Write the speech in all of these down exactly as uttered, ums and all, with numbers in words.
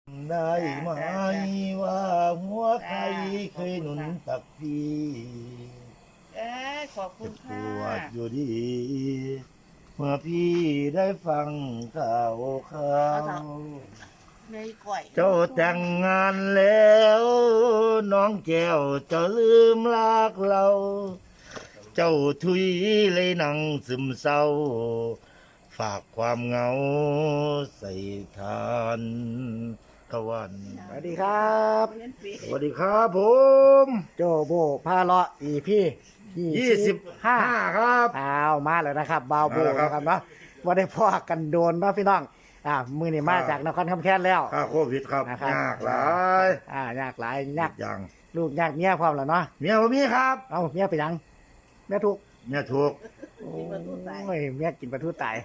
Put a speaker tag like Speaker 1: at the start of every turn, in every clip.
Speaker 1: ได้ไหมว่าหัวใครเคยหนุนตักพี่
Speaker 2: เอ้ยขอบคุ
Speaker 1: เจ็
Speaker 2: ณ
Speaker 1: บป
Speaker 2: ค่ะ
Speaker 1: วดอยู่ดี เมื่อพี่ได้ฟังข่าวข่าว
Speaker 2: ในก่อย
Speaker 1: เจ้าแต่งงานแล้ว น้องแก้วเจ้าลืมรักเรา เจ้าทุยเลยหนังซึมเศร้า ฝากความเหงาใส่ทานตะวัน
Speaker 3: สวัสดีครับ
Speaker 1: สวัสดีครับผม
Speaker 3: โจโบพาเลาะอีพี่
Speaker 1: ยี่สิบห้าครับ
Speaker 3: อ้าวมาแล้วนะครับบาวโบ
Speaker 1: มาแล้วครับ
Speaker 3: นะครับเนาะว่าได้พ่อกันโดนเนาะพี่น้องอ่ามือนี่มา
Speaker 1: ครับ
Speaker 3: จากนครคำแค้นแล้ว
Speaker 1: ค่าโควิดครับ
Speaker 3: นะครับ
Speaker 1: ยากหลาย
Speaker 3: อ่ายากหลายยาก
Speaker 1: อย่าง
Speaker 3: ลูกยากเมียพร้อมแล้วเนาะ
Speaker 1: เมียผมมีครับ
Speaker 3: เอาเมียไปยังเมียถูก
Speaker 1: เมียถูก
Speaker 3: โอ้ยเมียกินปลาทูตาย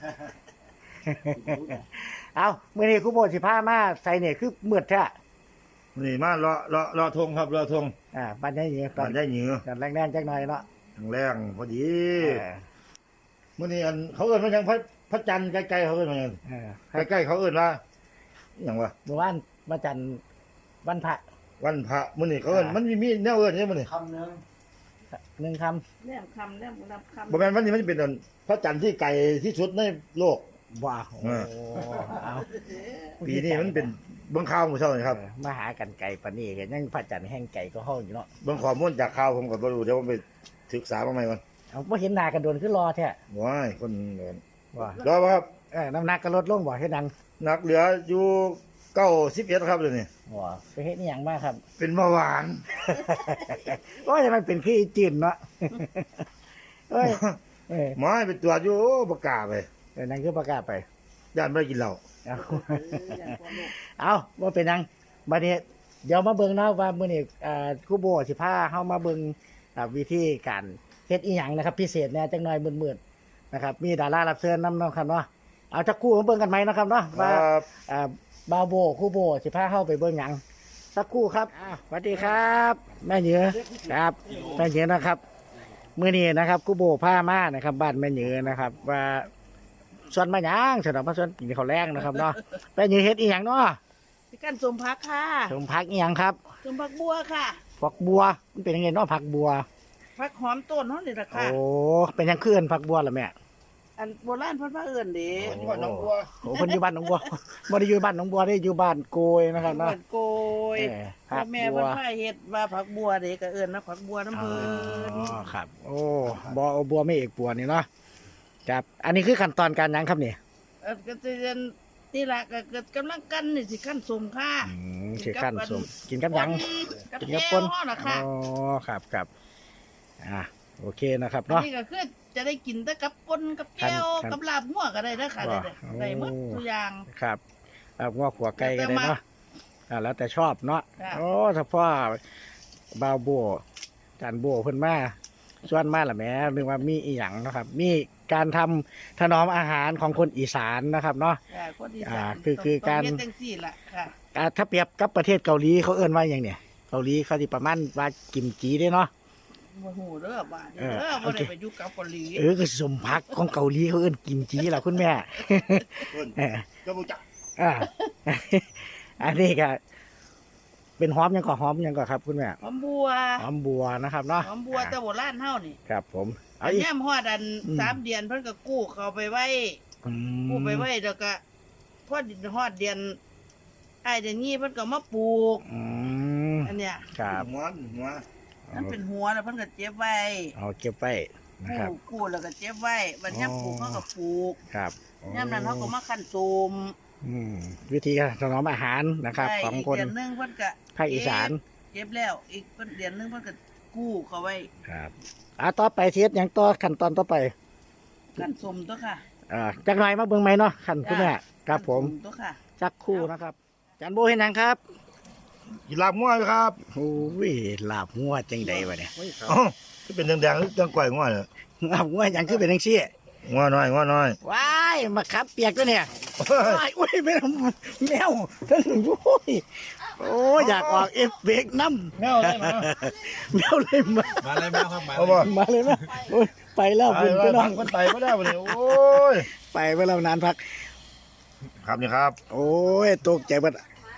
Speaker 3: เอามือนี่ครูโบสิพามาใส่เนี่ยคือมืดแท้
Speaker 1: นี่มาเลาะเลาะเลาะทงครับเลาะทง
Speaker 3: อ่าบ้านนี้อยู่ตอ
Speaker 1: มัน นได้เหนือ
Speaker 3: ตอนแรงๆจักหน่อยเนาะ
Speaker 1: ทางแรงพอดี
Speaker 3: เออ
Speaker 1: มื่อนี้อันเขาเอิ้นว่าหยังพระพระจันทร์ใกล้ๆเขาเอิ้นว่าหยัง
Speaker 3: เออ
Speaker 1: ใกล้ๆเขาเอิ้นว่าหยังวะ
Speaker 3: เมื่อวานมาจันทร์วันพระ
Speaker 1: วันพระมื่อนี้เขาเอิ้นมันมีมีแนวเอิ้นใช่มื่อนี้
Speaker 3: คำหนึ่งหนึ่งค
Speaker 2: แนมคำแนมรับคำ
Speaker 1: บ่แม่นวันนี้มันเป็นอันพระจันทร์ที่ไกลที่สุดในโลก
Speaker 3: ำว้าวโอ้
Speaker 1: เออ
Speaker 3: เอา
Speaker 1: ปีนี้มันเป็นเบิ่งข่าวหมู่เช้านี่ครับ
Speaker 3: เออมาหากันไก่ปานนี้กันยังพระจันทร์แห้งไก่ก็ห้องอยู่เนาะ
Speaker 1: เบิ่งข้อมูลจากข่าวผมก็บ่รู้เดี๋ยวผมไปศึกษามาใหม่ก่อน
Speaker 3: เอาไ่เห็นหน้ากันโดนขึ้นรอแท้
Speaker 1: ว้ายคนเอิ้น
Speaker 3: ว่าร
Speaker 1: อบ่ครับ
Speaker 3: เออน้ำหนักก็ลดลงบ่ให้ดัง
Speaker 1: นักเหลืออยู่เก้าสิบเอ็ดครับเดี๋ยวนี้
Speaker 3: ว้าไปเฮ็ดนี่ยังมากครับ
Speaker 1: เป็นเบาหวาน
Speaker 3: โอ้ยมันเป็นขี้จืดเนาะเอ้ยเออ
Speaker 1: หมอให้ไปตรวจอยู่โอ้บ่กล้าไป
Speaker 3: เออนั่นคือประกาศไป
Speaker 1: ย่านบ่ได้กินเหล้า
Speaker 3: เอาเอาว่าเป็นยังบัดนี้เดี๋ยวมาเบิ่งเนาะว่ามื้อนี้อ่าครูโบสิพาเฮามาเบิ่งอ่าวิธีการเฮ็ดอีหยังนะครับ พิเศษแหน่จักหน่อยมืดๆนะครับ มีดารารับเชิญนำเนาะครับเนาะเอาจักคู่มาเบิ่งกันไหมเนาะครับเนาะ
Speaker 1: ค
Speaker 3: ว่า
Speaker 1: รับ
Speaker 3: อ่าบาวโบครูโบสิพาเฮาไปเบิ่งหยังสักครู่ครับอ่าสวัสดีครับ แม่เหนือครับแม่เหนือนะครับมื้อนี้นะครับครูโบพามานะครับบ้านแม่เหนือนะครับ ว่าส่วนมาหยังสำหรับมาส่วนกินข้าวแรงนะครับเนาะแม่เหนือเฮ็ดอีหยังเนาะ
Speaker 2: พี่กันสมพักค่ะ
Speaker 3: สมพักอีหยังครับ
Speaker 2: สมพักบัวค่ะ
Speaker 3: ผักบัวมันเป็นยังไงเนาะผักบัว
Speaker 2: พักหอมต้นเขานี่แหละค่ะ
Speaker 3: โอ้เป็นหยังเคลื่อนผักบัวเหรอแม่
Speaker 2: อันโบราณเพิ่นว่าเอิ้นเด้
Speaker 1: ผมว่าน้องบัว
Speaker 3: โอ้คนอยู่บ้านหนองบัวบ่ได้อยู่บ้านหนองบัวได้อยู่บ้านโกยนะครับเนาะ
Speaker 2: เอิ้นโกย
Speaker 3: เออผั
Speaker 2: พ่อก แม่
Speaker 3: บั
Speaker 2: เพิ่
Speaker 3: วน
Speaker 2: ว่าเฮ็ดว่าผักบัวเด้ก็เอิ้นนะผักบัวน้ำ
Speaker 3: อ๋
Speaker 2: เพิ่น
Speaker 3: อครับ โอ้บัวเอาบัวไม่เอกบัวนี่เนาะครับอันนี้คือขั้นตอนการหยังครับเนี่ย
Speaker 2: เออก็สิเรียนนี่ล่ะก็เกิดกำลังกันนี่สิขั้นสมค่ะ
Speaker 3: อืมคือขั้นสมกินกับหยัง
Speaker 2: กับ
Speaker 3: กิน
Speaker 2: แก้
Speaker 3: กับ
Speaker 2: ว
Speaker 3: ป่น
Speaker 2: เฮาน่ะ
Speaker 3: อ๋
Speaker 2: ค่ะ
Speaker 3: อครับครับอ่าโอเคนะครับ
Speaker 2: อัน
Speaker 3: เนาะ
Speaker 2: นี้ก็คือจะได้กินแต่กับป่นกับแก้ว
Speaker 3: ครับ
Speaker 2: กับลาบหัวก็ได้เด้อค่ะได้เด้อ
Speaker 3: โอ้
Speaker 2: ได้หมดทุกอย่าง
Speaker 3: ครับเอางอกหัวไก่ก็ได้เนาะอ่าแล้วแต่ชอบเนาะ
Speaker 2: ค่ะ
Speaker 3: โอ้ถ้าพ่อบาวโบจานโบเพิ่นมาส่วนมาละแหม่นึกว่ามีอีหยังเนาะครับ มีการทำถนอมอาหารของคนอีสานนะครับเนาะ
Speaker 2: ค่ะคนอี
Speaker 3: อ่า
Speaker 2: สาน
Speaker 3: คือคือการ
Speaker 2: ต้องเฮ็ดจังซี่ล่ะค่ะ
Speaker 3: อ่าถ้าเปรียบกับประเทศเกาหลีเขาเอิ้นว่าอย่างเนี่ยเกาหลีเขาสิประมาณว่ากิมจิเด้เนาะ
Speaker 2: บ่ฮู้เด้อบ้านนี้
Speaker 3: เออ
Speaker 2: เด้อ
Speaker 3: โอ
Speaker 2: บ่
Speaker 3: เค
Speaker 2: ได้ไปอยู่กับเกาหลี
Speaker 3: เออก็สมพักของเกาหลีเขาเอิ้นกิมจิล่ะคุณแม่
Speaker 1: เพิ่น
Speaker 3: เออ
Speaker 1: ก็บ่จัก
Speaker 3: อ่า อันนี้ก็เป็นหอมหยังก็หอมหยังก็ครับ คุณแม่
Speaker 2: หอมบัว
Speaker 3: หอมบัวนะครับเนาะ
Speaker 2: หอมบัวแต่โบราณเฮานี่
Speaker 3: ครับผม
Speaker 2: อั
Speaker 3: เอา
Speaker 2: น
Speaker 3: อีก
Speaker 2: ยามฮอดอัน
Speaker 3: อืม
Speaker 2: สามเดือนเพิ่นก็กู้เขาไปไว้
Speaker 3: อืม
Speaker 2: กู้ไปไว้แล้วก็พอฮอดเดือนอ้ายเดือนนี้เพิ่นก็มาปลูก
Speaker 3: อืม
Speaker 2: อันเนี้ย
Speaker 3: ครับ
Speaker 1: หัวหัว
Speaker 2: มันเป็นหัวแล้วเพิ่นก็เจ็บไว้
Speaker 3: เอาเก็บไว้นะ
Speaker 2: กู้
Speaker 3: ครับ
Speaker 2: กู้แล้วก็เจ็บไว้บัดยามปลูก
Speaker 3: อ๋อ
Speaker 2: เขาก็ปลูก
Speaker 3: ครับ
Speaker 2: ยามนั้นเขาก็มาคั่นโสม
Speaker 3: อืมวิธีการถนอมอาหารนะครับ
Speaker 2: ได้
Speaker 3: ของ
Speaker 2: อีก
Speaker 3: คน
Speaker 2: เดือนหนึงเพิ่นก็
Speaker 3: ภาคอีสาน
Speaker 2: เจ็บแล้ว อีกเพิ่นเดือนหนึงเพิ่นก็กู้เขาไว้
Speaker 3: ครับอ่าต่อไปเทียดอย่างต่อขั้นตอนต่อไป
Speaker 2: คั่นสมตัวค่ะ
Speaker 3: อ่าจักหน่อยมาเบิ่งไหมเนาะขั้นคุณแม่ครับผม
Speaker 2: คั่นสตัวค่ะ
Speaker 3: จักคู่นะครับจันโบเห็นหยังครับ
Speaker 1: กินลาบงัวอยู่ครับ
Speaker 3: โอ้ยลาบงัวจังใดวะเนี่ย
Speaker 1: อ๋อที่เป็นแดงๆหรือจังก่อยงัวเนี่ย
Speaker 3: ลาบงัวหยังคือเป็นจังซี่
Speaker 1: งัวน้อยงัวน้อย
Speaker 3: ว้ายมาขับเปียกตัวเนี่ยว้ายอุ้ยแมวแมวทั้งโอ้ยโอ้ยอยากออกเอฟเฟกต์น้ำ
Speaker 1: แมวอะไรมา
Speaker 3: แมวเลยมา
Speaker 4: มาเลยแม่ครับมา
Speaker 1: เอา
Speaker 4: เลย
Speaker 1: บ่
Speaker 3: มาเลยนะโอ้ยไปแล้ว
Speaker 1: ไป
Speaker 3: คุณ
Speaker 1: ไป
Speaker 3: พี่น้
Speaker 1: พั
Speaker 3: อง
Speaker 1: งคนไตบ่ได้บ่เนี่ยโอ้ย
Speaker 3: ไปไปแล้วนานพัก
Speaker 1: ครับนี่ครับ
Speaker 3: โอ้ยตกใจเบัด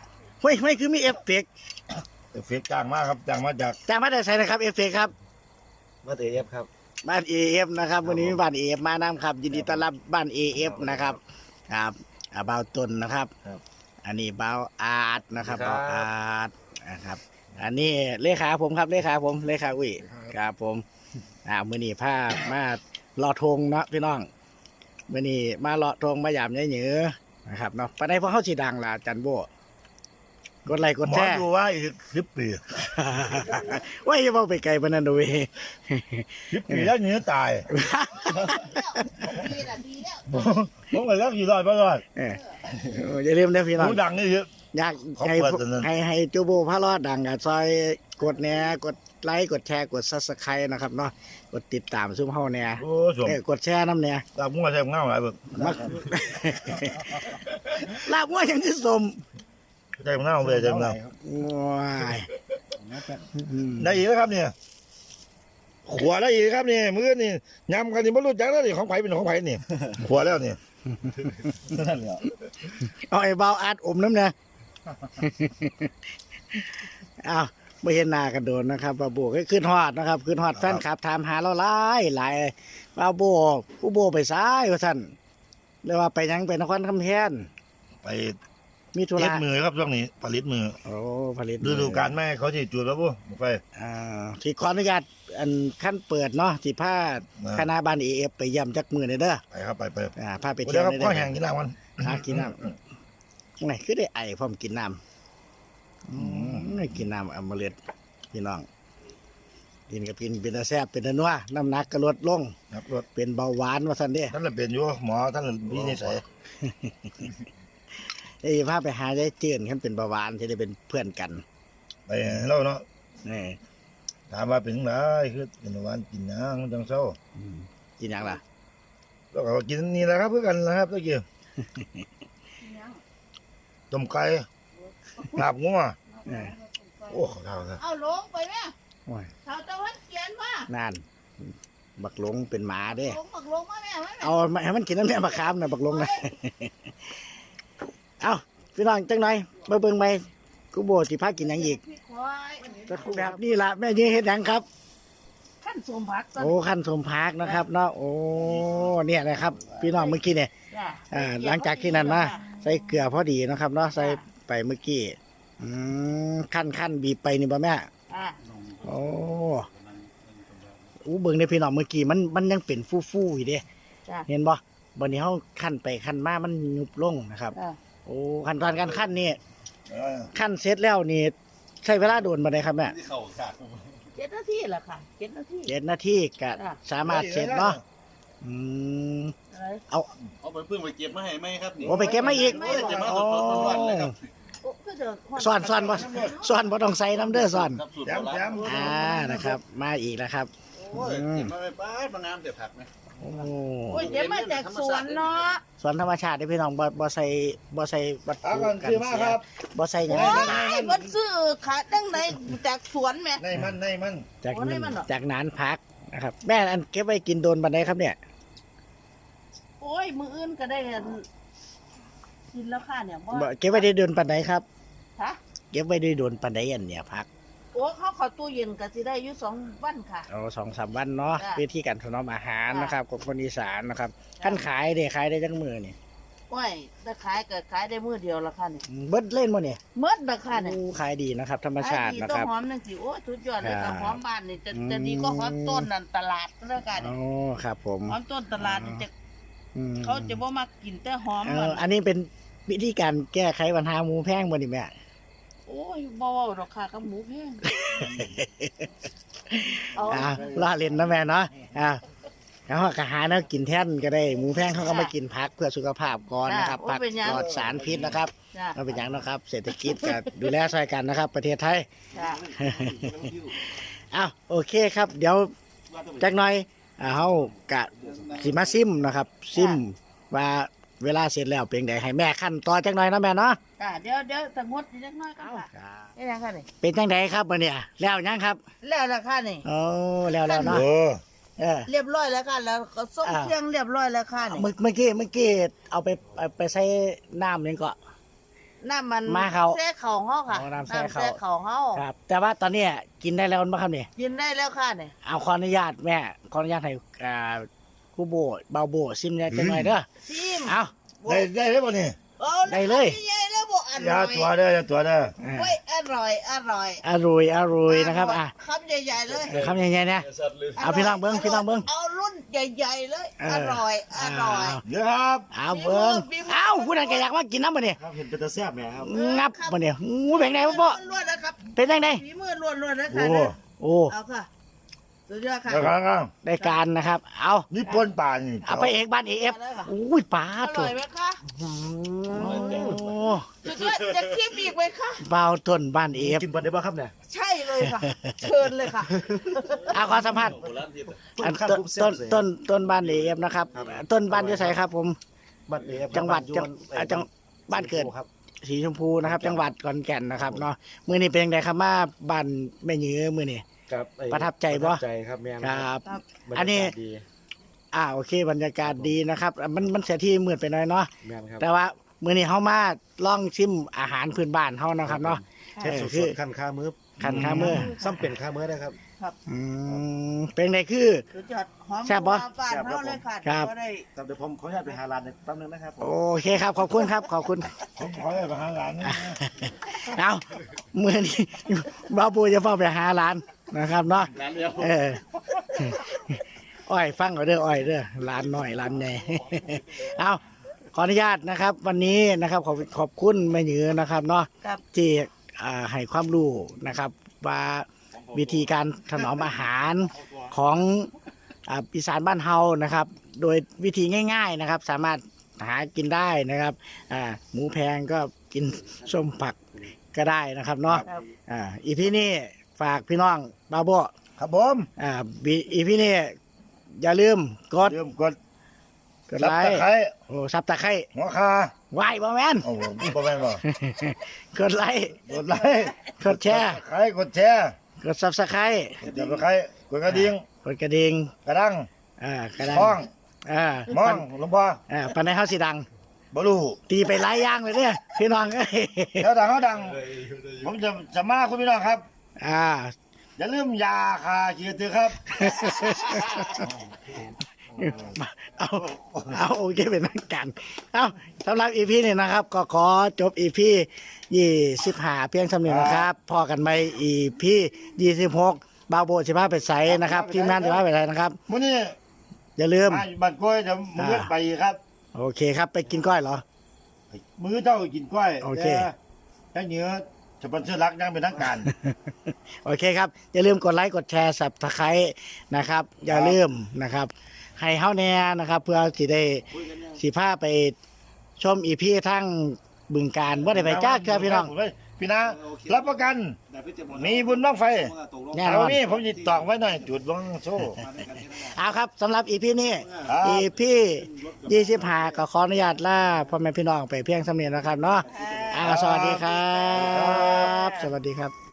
Speaker 3: เฮ้ยไม่คือมีเอฟเฟกต์
Speaker 1: เอฟเฟกต์จ้างมากครับจ้างมาจาก
Speaker 3: จากมาได้ใส่นะครับเอฟเฟกต์ครับ
Speaker 1: มาเตเอฟครับ
Speaker 3: บ้านเอฟนะครับวันนี้มีบ้านเอฟมานำครับยินดีต้อนรับบ้านเอฟนะครับครับอ่าบ่าวตุนนะครับ
Speaker 1: ครับ
Speaker 3: อันนี้บ่าวอาร์ตนะครับ
Speaker 1: ครับ
Speaker 3: บ่าวอาร์ตนะครับ อันนี้เลขาผมครับเลขาผมเลขาอุ้ยครับผมอ่ามื้อนี้พามาเลาะธงเนาะพี่น้องมื้อนี้มาเลาะธงมายามยายเหนือนะครับเนาะปานใดพวกเฮาสิดังล่ะจันโบกดไลค์กด
Speaker 1: หมอ
Speaker 3: แชร์
Speaker 1: ดูว่าอีกสิบปี
Speaker 3: ว่าอย่าเว้าไปไกลปานนั้นเด้อเว้ย
Speaker 1: สิบปีแล้วเหนือตาย
Speaker 2: ดีละดีแล้ว
Speaker 1: ผมก็แล้วกี่ร้อยบ่ร้อย
Speaker 3: เอออย่าลืมนะพี่น้อง
Speaker 1: หูดังนี่เยอะ
Speaker 3: อยาก
Speaker 1: เขา
Speaker 3: ให้
Speaker 1: เปิดตอนนั้น
Speaker 3: ให้ให้จูโบพระรอดดังกับซอยกดแหน่กดไลค์กดแชร์กดซับสไครต์นะครับเนาะกดติดตามซุ้มเฮาแหน่
Speaker 1: โอ้สม
Speaker 3: เออกดแชร์น้ำแหน่
Speaker 1: ตามั่วใช่เงาหลายเบิก
Speaker 3: มัก ลาบว่าอย่างคือสม
Speaker 1: ใช่เงาเลยใช่เงา
Speaker 3: ว้ายอืม
Speaker 1: ได้อีกแล้วครับเนี่ยขวได้อีกครับนี่มือนี่ยำกันนี่ไม่รู้จักแล้วนี่ของไผ่เป็นของไผ่นี่ขวแล้วนี่นั่นแหละ
Speaker 3: เอาไอ้เบาอัดอมน้ำเนี่ย อ้าวไม่เห็นหน้ากันโดนนะครับบาโบก็ขึ้นฮอดนะครับขึ้นฮอดแฟนคลับถามหาเราหลายหลายบาโบผู้โบไปซ้ายว่าสั่นเรียกว่าไปหยังไปนครคำแพง
Speaker 1: ไป
Speaker 3: มีธุ
Speaker 1: เล็
Speaker 3: ระ
Speaker 1: ดมือครับช่วงนี้ผลิตมือ
Speaker 3: โอ้ผลิต
Speaker 1: ฤดูกาลแม่เขาที่จุดแล้วปุ๊บไป
Speaker 3: อ่าที่ขออนุญาตอันขั้นเปิดเนาะที่พา
Speaker 1: นะ
Speaker 3: คณะบ้านเอฟไปเยี่ยมจักมือเลยเด้อ
Speaker 1: ไปครับไปไป
Speaker 3: อ่าพาไป
Speaker 1: เดี๋
Speaker 3: เที่
Speaker 1: ย
Speaker 3: ยว ว
Speaker 1: ครับ
Speaker 3: เลย
Speaker 1: ข้อ
Speaker 3: เด้อ
Speaker 1: แห้งกินน้ำมัน
Speaker 3: อ่ากินน้ำไหนคือได้ไอพร้อมกินน้ำอืมกินน้ำอมฤตพี่น้องกินกับกินเป็นตาแซ่บเป็นตานัวน้ำหนักก็ลดลง
Speaker 1: ครับรถ
Speaker 3: เป็นเบาหวานว่าสันเด้
Speaker 1: ท่านละเป็นอยู่หมอท่านวินิจฉัย
Speaker 3: ไอ้พาไปหายายเจือนขันเป็นเบาหวานจะได้เป็นเพื่อนกัน
Speaker 1: ไปเล่าเนาะ
Speaker 3: นี่
Speaker 1: ถามว่าเป็นไรคือเป็นวันกินน้ำมันจังเศร้า
Speaker 3: อืมกินหยังล่ะ
Speaker 1: แล้วก็กินนี่แหละครับเพื่อกันนะครับตะกี้ต้มไก่ลาบงัว
Speaker 3: เออ
Speaker 1: โอ้ขาวครับ
Speaker 2: เอาลงไปแม่
Speaker 3: โอ้ย
Speaker 2: เขาตะวันเขียนว่า
Speaker 3: นั่นบักหลงเป็นหมาเด้
Speaker 2: ลงบักลงมาแม่ไว้แม่
Speaker 3: เอามาให้มันกินน้ำแม่บักขามนะบักหลงนะ เอาพี่น้องจังหน่อยมาเบิ่งไปกูโบสิพากินหยังอีก
Speaker 2: พี่ควาย
Speaker 3: แบบนี้ล่ะแม่ยืนเฮ็ดหยังครับ
Speaker 2: ขั้นสมผัก
Speaker 3: โอ้ขั้นสมพักนะครับเนาะโอ้เนี่ยนะครับ พี่น้องเมื่อกี้เนี่ย
Speaker 2: จ้ะ
Speaker 3: อ่าหลังจากที่นั่นนะใส่เกลือพอดีนะครับเนาะใส่ไปเมื่อกี้อืมขั้นขั้นบีบไปนี่บ่แม่
Speaker 2: อ่ะ
Speaker 3: โอ้อู้เบิ่งในพี่น้องเมื่อกี้มันมันยังเป็นฟู่ๆอยู่เด้
Speaker 2: จ้ะ
Speaker 3: เห็นบ่บัดนี้เฮาขั้นไปขั้นมามันยุบลงนะครับ
Speaker 2: อ่ะ
Speaker 3: โอ้ขั้นตอนการขั้นนี่
Speaker 1: เออ
Speaker 3: ขั้นเสร็จแล้วนี่ใช้เวลาโดนบ่ได้ครับแม่
Speaker 2: เจ็ดนาทีละค่ะเจ็ดนาที
Speaker 3: เจ็ดนาทีก็
Speaker 2: จ้ะ
Speaker 3: สามารถเสร็จเนาะอืม
Speaker 2: อะไร
Speaker 3: เอา
Speaker 4: เอาไปเพิ่งไปเก็บมาให้ไหมครับนี่
Speaker 3: โอ้ไปเก็บมาอีก
Speaker 4: โอ้ยเก็บมาสดๆร้อนๆเลยครับ
Speaker 2: โอ้ก็เดี๋ยว
Speaker 3: สอนสอนบ่สอนบ่ต้องใส่น้ำเด้อสอน
Speaker 4: ครับสูตร
Speaker 1: แจ
Speaker 4: โบ
Speaker 1: มแจ
Speaker 4: ราณ
Speaker 1: ม
Speaker 3: อ่านะครับ มาอีกแล้วครับ
Speaker 4: โอ้ยเก็บมาไปป้าดมางามเดี๋ยวผักไหม
Speaker 3: โอ้
Speaker 2: โอ้ยเดี๋ยวมาจากสวนเนาะ
Speaker 3: สวนธรรมชาติเด้อพี่น้องบ่บ่ใส่บ่ใส่วัต
Speaker 1: ถาม
Speaker 3: ถุ
Speaker 1: กัน
Speaker 3: กัน
Speaker 1: คือมา
Speaker 3: เสี
Speaker 1: ค
Speaker 3: ย
Speaker 1: รับ
Speaker 3: บ่ใส่หยัง
Speaker 2: โอ้ยมันซื้อขาตั้งไหนจากสวนแม่
Speaker 1: ในมันในมัน
Speaker 3: จาก
Speaker 2: โอ้ได้มันเหรอ
Speaker 3: จากนานพักนะครับ แม่อันเก็บไว้กินโดนบันไดครับเนี่ย
Speaker 2: โอ้ยมืออื่นก็ได้อันกินแล้วค่ะเนี่ยว่า
Speaker 3: บ่เก็บไว้ได้โดนปันไดครับ
Speaker 2: ฮะ
Speaker 3: เก็บไว้ได้โดนปันไดอันเนี่ยพัก
Speaker 2: โอ้เขาเขอตู้เย็นก็สิได้อยู่สองวันค่ะ
Speaker 3: เอาสองสามวันเนาะ
Speaker 2: จ้ะ
Speaker 3: วิธีการถนอมอาหาร
Speaker 2: จ้ะ
Speaker 3: นะครับของคนอีสานนะครับขั้นขายเด้ขายได้จังมือนี่
Speaker 2: โอ้ยถ้าขายก็ขายได้มือเดียวละค่ะนี่
Speaker 3: เบิดเล่นบ่เนี่ย
Speaker 2: เมื่อละค่ะนี่
Speaker 3: อู้ขายดีนะครับ ธรรมชาติ
Speaker 2: ขยดี
Speaker 3: นะ
Speaker 2: ต้
Speaker 3: คน รับ
Speaker 2: หอมนั่นสิโอ้ยสุดยอดเลย
Speaker 3: ครั
Speaker 2: ค่ะ
Speaker 3: บ
Speaker 2: หอมบ้านนี่จะ
Speaker 3: อืม
Speaker 2: จะดีก็หอมต้นนั่นตลาดแล้วกัน
Speaker 3: โอ้ครับผม
Speaker 2: หอมต้นตลาดนี่จะ
Speaker 3: อืม
Speaker 2: เขาจะบ่มากินแต่หอม
Speaker 3: เอ
Speaker 2: มั
Speaker 3: อน อันนี้เป็นวิธีการแก้ไขปัญหาหมูแพงบ่นี่แม่
Speaker 2: โอ้ยบ่เว้าดอกค่ะกับหมูแพงเอา
Speaker 3: อ่าล่าเล่นนะแม่เนาะอ่าแล้วก็หาแนวกินแท่นก็ได้หมูแพงเขาก็มากินผักเพื่อสุขภาพก่อนนะครับผักปลอดสารพิษนะครับ
Speaker 2: จ้ะ
Speaker 3: เราเป็นอย่างนะครับ เศรษฐกิจก็ดูแลช่วยกันนะครับ ประเทศไทย
Speaker 2: จ้ะ
Speaker 3: อ้าวโอเคครับ เดี๋ยวจักหน่อยอ่าเฮากะสิมาซิมนะครับ ซิมว่าเวลาเสร็จแล้วเป็นไงให้แม่ขั้นต่อจักหน่อยนะแม่เนาะ
Speaker 2: จ้ะเดี๋ยวเดี๋ยวสงดนิดน้อยกันค่ะเอ๊ะยังค่ะนี่
Speaker 3: เป็นจังไดครับมื้อเนี่ยแล้วยังครับ
Speaker 2: แล้วละค่ะนี่
Speaker 3: โอ้แล้วแล้วเนาะ
Speaker 1: โอ้
Speaker 3: เออ
Speaker 2: เรียบร้อยแล้วค่ะแล้วก็ส่ง
Speaker 3: อ่า
Speaker 2: เครื่องเรียบร้อยแล้วค่ะนี่
Speaker 3: เมื่อเมื่อกี้เมื่อกี้เอาไปเอาไปใส่น้ำนี่ก็
Speaker 2: น้ำมัน
Speaker 3: มาเขา
Speaker 2: แซ่เขาเฮาค่ะ
Speaker 3: อ๋อน้ำแซ่เขา
Speaker 2: เขาเฮา
Speaker 3: ครับ แต่ว่าตอนเนี้ยกินได้แล้วมั้งครับเนี่ย
Speaker 2: กินได้แล้วค่ะเนี่ย
Speaker 3: เอาขออนุญาตแม่ขออนุญาตให้อ่าครูโบเบาโบซิมได้จังหน่อยเด้อ
Speaker 2: ซิม
Speaker 3: เอา
Speaker 1: ได้ได้ได้ป่ะนี่
Speaker 2: เอา
Speaker 3: ได้เลย
Speaker 2: ใหญ่แล้วบ่อ
Speaker 1: อ
Speaker 2: ร่
Speaker 1: ย่า
Speaker 2: อย
Speaker 1: ตัวเด้ออย่าตัวเด้อ
Speaker 3: อ่า
Speaker 2: เว้ยอร่อยอร่อย
Speaker 3: อร่อยอร่อยนะครับอ่ะ
Speaker 2: คำใหญ่ๆเลย
Speaker 3: คำใหญ่ๆนะ เอาพี่น้องเบิ่งพี่น้องเบิ่ง
Speaker 2: เอารุ่นใหญ่ๆเลย
Speaker 3: เออ
Speaker 2: อร่อยอร่อย
Speaker 1: เดี๋ยวครับ
Speaker 3: เอาเบิ้ง
Speaker 2: ฝีมือ
Speaker 3: เอาผู้นั้นก็อยากมากินน้ำมาเนี่ย
Speaker 1: ครับเห็นเป็นตาแซ่บไหมครับ
Speaker 3: งับมาเนี่ยงูเป็นไงพ่อพ่อ
Speaker 2: ล้วนๆนะครับ
Speaker 3: เป็นยังไง
Speaker 2: ฝีมือล้วนๆนะ
Speaker 1: โอ้
Speaker 2: คะ
Speaker 3: โอ้
Speaker 2: เอาค่ะสุดยอดค่ะ
Speaker 1: แล้วครับครับ
Speaker 3: ได้การนะครับ เอา
Speaker 1: นี่ปนป่านี่
Speaker 3: เอาไปเอกบ้านเอฟอุ้ยปลา
Speaker 2: อ
Speaker 3: ตั
Speaker 2: ร่
Speaker 3: ว
Speaker 2: อยไหมคะ
Speaker 3: โอ้
Speaker 2: สุดยอดจะคิดอีกไหมคะ
Speaker 3: เบาต้นบ้านเอฟ
Speaker 1: กินปนได้ป่ะครับเนี่ย
Speaker 2: ใช่เลยค่ะ เชิญเลยค่ะ
Speaker 3: เอาขอสัมภาษณ์
Speaker 4: โบราณที่
Speaker 3: อันต้นต้นต้นต้นบ้านเอฟนะครับ ต้นบ้านอยู่ไสครับผม
Speaker 1: บัดเอฟ
Speaker 3: จังหวัดจังอ่าจังบ้านเกิด
Speaker 1: ครับ
Speaker 3: สีชมพูนะครับ จังหวัดขอนแก่นนะครับเนาะมื้อนี้เป็นยังไงครับมาบ้านแม่หยือมื้อนี้
Speaker 1: ครับไอ้
Speaker 3: ประทับใจบ่
Speaker 1: ประทับใจครับแม่
Speaker 3: ครับ
Speaker 2: ครับ
Speaker 1: บรรยากาศ
Speaker 3: อันนี้
Speaker 1: ดี
Speaker 3: อ่าโอเคบรรยากาศดีนะครับอ่ะมันมันเสียที่มืดไปหน่อยเนาะ
Speaker 1: แม่นครับ
Speaker 3: แต่ว่ามื้อนี้เฮามาลองชิมอาหารพื้นบ้านเฮานะครับเนาะ
Speaker 1: เทป
Speaker 3: เออ
Speaker 1: ส
Speaker 3: คือ
Speaker 1: ดๆขั้นข้ามือ
Speaker 3: ขั้นข้ามือ
Speaker 1: ซ้ำเป็นข้ามือได้ครับ
Speaker 3: อืมเป็นไงคือ
Speaker 2: สุดยอดหอม
Speaker 3: แซ่บบ่
Speaker 2: หวานบ้านเฮาเลยค่ะ
Speaker 3: ครับ
Speaker 2: ก็ได้
Speaker 1: ครับเดี๋ยวผมขออนุญาตไปหาร้านแป๊บนึงนะครับผม
Speaker 3: โอเคครับขอบคุณครับขอบคุณ
Speaker 1: ผมขออนุญาตไปหาร้านนะ
Speaker 3: เอามื้อนี้บ่าวปูจะเฝ้าไปหาร้านนะครับเนาะ
Speaker 4: ร้านเดียว
Speaker 3: เอออ้อยฟังเอาเด้ออ้อยเด้อร้านน้อยร้านใหญ่ เอาขออนุญาตนะครับ วันนี้นะครับขอบขอบคุณแม่หยือนะครับเนาะ
Speaker 2: ครับ
Speaker 3: ที่อ่าให้ความรู้นะครับ ว่าวิธีการถนอมอาหารของอ่าอีสานบ้านเฮานะครับ โดยวิธีง่าย ๆนะครับ สามารถหากินได้นะครับอ่าหมูแพงก็กินส้มผักก็ได้นะครับเนาะ
Speaker 2: ครับ
Speaker 3: อ่าอีพีนี้ฝากพี่น้องบาโบ
Speaker 1: ครับผม
Speaker 3: อ่าบีอีพีนี้อย่าลืมกด
Speaker 1: เริ่มกด
Speaker 3: กด
Speaker 1: ซับ
Speaker 3: ไล
Speaker 1: ตะ
Speaker 3: ค์
Speaker 1: ไคร้
Speaker 3: โอ้ซับตะไคร้
Speaker 1: หัวคา
Speaker 3: ไหวบ่แมน
Speaker 1: โอ้โหบ่แม่นบ่
Speaker 3: กดไลค์
Speaker 1: กดไลค์
Speaker 3: กดแชร์
Speaker 1: ตะไคร้กดแชร์
Speaker 3: กดซับสไครต์
Speaker 1: กดจับตะไคร้กดกระดิ่ง
Speaker 3: กดกระดิ่ง
Speaker 1: กระดัง
Speaker 3: อ่ากระดัง
Speaker 1: ห้อง
Speaker 3: อ่าม
Speaker 1: องหลวงพ่อ
Speaker 3: อ่าปันในเฮาสิดัง
Speaker 1: บ่รู้
Speaker 3: ตีไปหลายอย่างเลยเนี่ยพี่น้องเอ้ย
Speaker 1: แล้วดังเขาดัง ผมจะจะมาคุณพี่น้องครับ
Speaker 3: อ่า
Speaker 1: อย่าลืมยาคาเกียรติครับ
Speaker 3: เอาเอาโอเคเป็นนักกันเอาสำหรับอีพีนี้นะครับ ก็ขอจบอีพียี่สิบห้าเพียงสำเนียงนะครับ พอกันไหมอีพียี่สิบหกบาวโบสิบห้าไปใสนะครับทีมงานสิบห้าไปใสนะครับ
Speaker 1: มื้อนี้
Speaker 3: อย่าลืม
Speaker 1: มาบ้านกล้วยเดี๋ยวมื้อ
Speaker 3: อ่า
Speaker 1: ไปครับ
Speaker 3: โอเคครับไปกินก้อยเหรอ
Speaker 1: มื้อเจ้ากินกล้วย
Speaker 3: โอเค
Speaker 1: แต่เหนือสปอนเซอร์รักยังเป็นทางการ
Speaker 3: โอเคครับ อย่าลืมกดไลค์กดแชร์สับตะไคร้นะครับ อย่าลืมนะครับ ให้เฮาแน่นะครับ เพื่อสิได้สิพาไปชมอีพีทั้งบึงการว่าได้ไปจ้าเกลือพี่น้อง
Speaker 1: พี่นารับประกัน มีบุญบ้างไฟ
Speaker 3: แน่นอน
Speaker 1: เอานี่ผมจิตตอกไว้หน่อยจุดบ้างโซ่
Speaker 3: เอาครับสำหรับอีพีนี้
Speaker 1: ครับ
Speaker 3: อีพียี่สิบห้าก็ขออนุญาตล่าพ่อแม่พี่น้องไปเพียงสำเนียงนะครับเนาะอ่าสวัสดีครับ สวัสดีครับ